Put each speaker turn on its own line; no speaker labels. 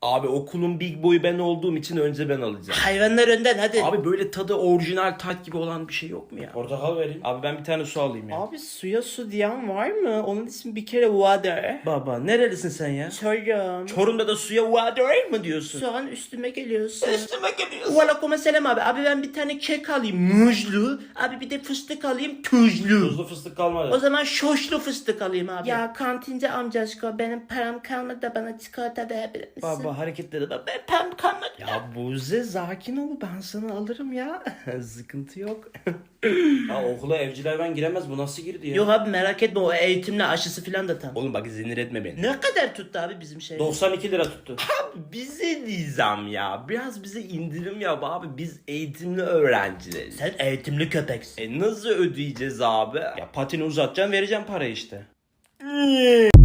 Abi okulun big boyu ben olduğum için önce ben alacağım.
Hayvanlar önden hadi.
Abi böyle tadı orijinal tat gibi olan bir şey yok mu ya?
Portakal vereyim.
Abi ben bir tane su alayım ya.
Abi suya su diyen var mı? Onun ismi bir kere water.
Baba nerelisin sen ya?
Çorum.
Çorum'da da suya water mı diyorsun?
Şu an üstüme geliyorsun.
Üstüme geliyorsun.
Aleyküm selam abi. Abi ben bir tane kek alayım muzlu. Abi bir de fıstık alayım tuzlu.
Tuzlu fıstık kalmadı.
O zaman şoşlu fıstık alayım abi. Ya kantinci amcaşko benim param kalmadı da bana çikolata verebilir misin?
Baba hareketlere bak. Ben pem kalmadı. Ya Buze sakin ol, ben sana alırım ya. Sıkıntı yok.
Ya okula evciler ben giremez, bu nasıl girdi ya?
Yok abi merak etme o eğitimle aşısı filan da tam.
Oğlum bak zinir etme beni.
Ne kadar tuttu abi bizim şey?
92 lira tuttu.
Abi bize nizam ya. Biraz bize indirim yap abi. Biz eğitimli öğrencileriz.
Sen eğitimli köpeksin.
Nasıl ödeyeceğiz abi? Ya patini uzatacaksın, vereceğim para işte.